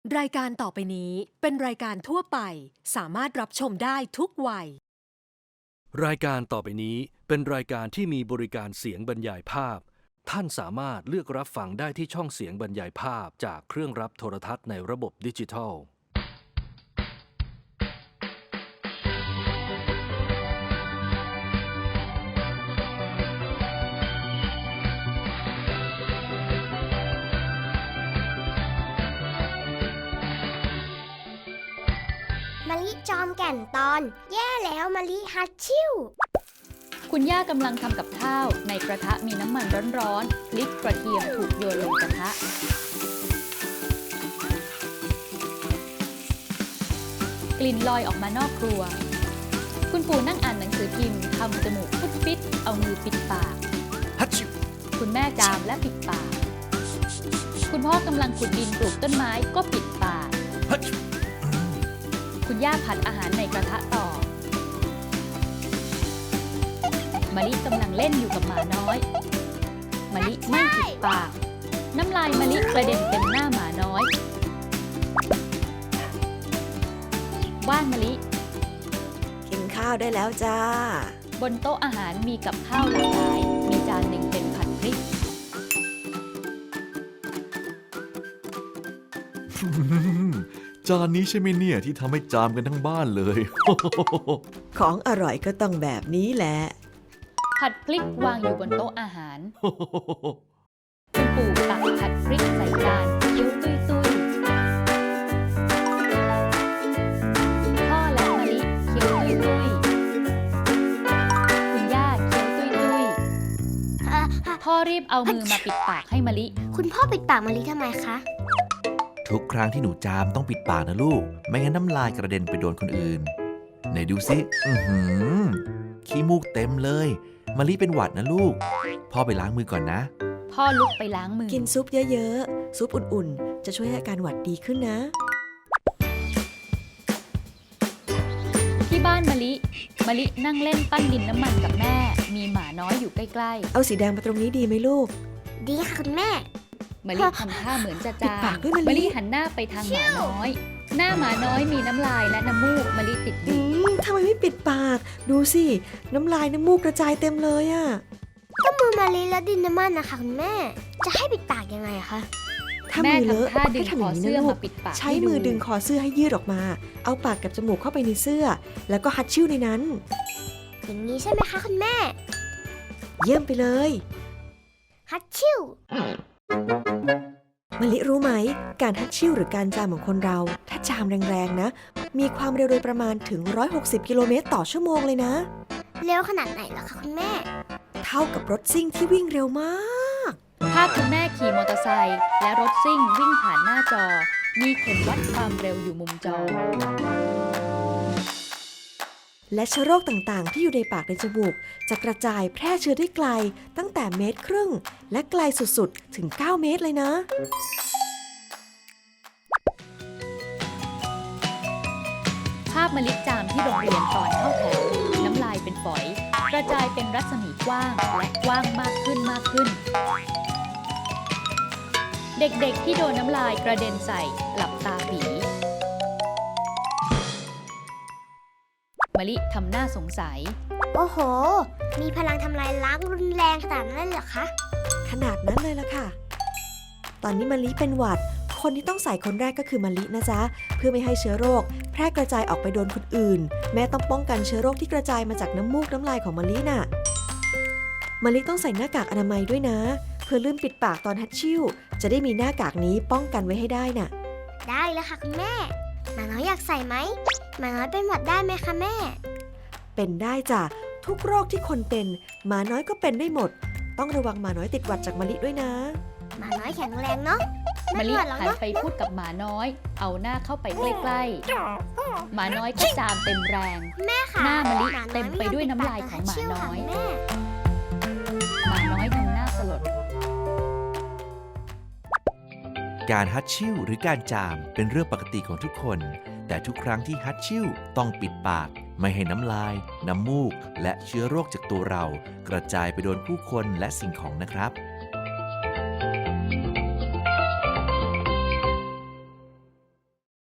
รายการต่อไปนี้เป็นรายการทั่วไปสามารถรับชมได้ทุกวัยรายการต่อไปนี้เป็นรายการที่มีบริการเสียงบรรยายภาพท่านสามารถเลือกรับฟังได้ที่ช่องเสียงบรรยายภาพจากเครื่องรับโทรทัศน์ในระบบดิจิทัลมะลิจอมแก่นตอนแย่แล้วมะลิฮัตชิ่วคุณย่ากำลังทำกับข้าวในกระทะมีน้ำมันร้อนๆพริกกระเทียมถูกโยนลงกระทะกลิ่นลอยออกมานอกครัวคุณปู่นั่งอ่านหนังสือพิมพ์ทำจมูกฟุดฟิตเอามือปิดปากฮัตชิวคุณแม่จามและปิดปากคุณพ่อกำลังขุดดินปลูกต้นไม้ก็ปิดปากฮัตชิวคุณย่าผัดอาหารในกระทะต่อมะลิกำลังเล่นอยู่กับหมาน้อยมะลิไม่ปิดปากน้ำลายมะลิกระเด็นเต็มหน้าหมาน้อยบ้านมะลิกินข้าวได้แล้วจ้าบนโต๊ะอาหารมีกับข้าวหลากหลายมีจานหนึ่งเป็นผัดพริกจานนี้ใช่ไหมเนี่ยที่ทำให้จามกันทั้งบ้านเลยของอร่อยก็ต้องแบบนี้แหละผัดพริกวางอยู่บนโต๊ะอาหารคุณปู่ตักผัดพริกใส่จานเคี้ยวตุ้ยพ่อและมะลิเคี้ยวตุ้ยคุณย่าเคี้ยวตุ้ยพ่อรีบเอามือมาปิดปากให้มะลิคุณพ่อปิดปากมะลิทำไมคะทุกครั้งที่หนูจามต้องปิดปากนะลูกไม่งั้นน้ำลายกระเด็นไปโดนคนอื่นไหนดูสิขี้มูกเต็มเลยมะลิเป็นหวัดนะลูกพ่อไปล้างมือก่อนนะพ่อลุกไปล้างมือกินซุปเยอะๆซุปอุ่นๆจะช่วยให้อาการหวัดดีขึ้นนะที่บ้านมะลินั่งเล่นปั้นดินน้ำมันกับแม่มีหมาน้อยอยู่ใกล้ๆเอาสีแดงมาตรงนี้ดีไหมลูกดีค่ะคุณแม่มะลิทำท่าเหมือนจะจามมะลิหันหน้าไปทางหมาน้อยหน้าหมาน้อยมีน้ำลายและน้ำมูกมะลิติดอยู่ทำไมไม่ปิดปากดูสิน้ำลายน้ำมูกกระจายเต็มเลยอะก็มือมะลิและดินน้ำมันนะคะคุณแม่จะให้ปิดปากยังไงอะคะถ้ามือเลอะให้ทำอย่างนี้นะลูกใช้มือดึงคอเสื้อให้ยืดออกมาเอาปากกับจมูกเข้าไปในเสื้อแล้วก็ฮัตชิ่วในนั้นอย่างนี้ใช่ไหมคะคุณแม่เยี่ยมไปเลยฮัตชิ่วมะลิรู้ไหมการฮัตชิ่วหรือการจามของคนเราถ้าจามแรงๆนะมีความเร็วโดยประมาณถึง160กิโลเมตรต่อชั่วโมงเลยนะเร็วขนาดไหนล่ะคะคุณแม่เท่ากับรถซิ่งที่วิ่งเร็วมากภาพคุณแม่ขี่มอเตอร์ไซค์และรถซิ่งวิ่งผ่านหน้าจอมีเข็มวัดความเร็วอยู่มุมจอและเชื้อโรคต่างๆที่อยู่ในปากในจมูกจะกระจายแพร่เชื้อได้ไกลตั้งแต่1.5 เมตรและไกลสุดๆถึง9 เมตรเลยนะภาพมะลิจามที่โรงเรียนตอนเข้าแถวน้ำลายเป็นฝอยกระจายเป็นรัศมีกว้างและกว้างมากขึ้นเด็กๆที่โดนน้ำลายกระเด็นใส่หลับตาปีมะลิทำหน้าสงสัยโอ้โหมีพลังทำลายล้างรุนแรงขนาดนั้นเหรอคะขนาดนั้นเลยล่ะค่ะตอนนี้มะลิเป็นหวัดคนที่ต้องใส่คนแรกก็คือมะลินะจ๊ะเพื่อไม่ให้เชื้อโรคแพร่กระจายออกไปโดนคนอื่นแม่ต้องป้องกันเชื้อโรคที่กระจายมาจากน้ำมูกน้ำลายของมะลิน่ะมะลิต้องใส่หน้ากากอนามัยด้วยนะเพื่อลืมปิดปากตอนฮัตชิ่วจะได้มีหน้ากากนี้ป้องกันไว้ให้ได้น่ะได้แล้วค่ะคุณแม่หมาน้อยอยากใส่ไหมหมาน้อยเป็นหวัดได้ไหมคะแม่เป็นได้จ้ะทุกโรคที่คนเป็นหมาน้อยก็เป็นได้หมดต้องระวังหมาน้อยติดหวัดจากมะลิด้วยนะหมาน้อยแข็งแรงเนาะมะลิหันไปพูดกับหมาน้อยเอาหน้าเข้าไปใกล้ๆหมาน้อยก็จามเต็มแรงหน้ามะลิเต็มไปด้วยน้ำลายของหมาน้อยหมาน้อยทำหน้าสลดการฮัตชิ่วหรือการจามเป็นเรื่องปกติของทุกคนแต่ทุกครั้งที่ฮัตชิ่วต้องปิดปากไม่ให้น้ำลายน้ำมูกและเชื้อโรคจากตัวเรากระจายไปโดนผู้คนและสิ่งของนะครับ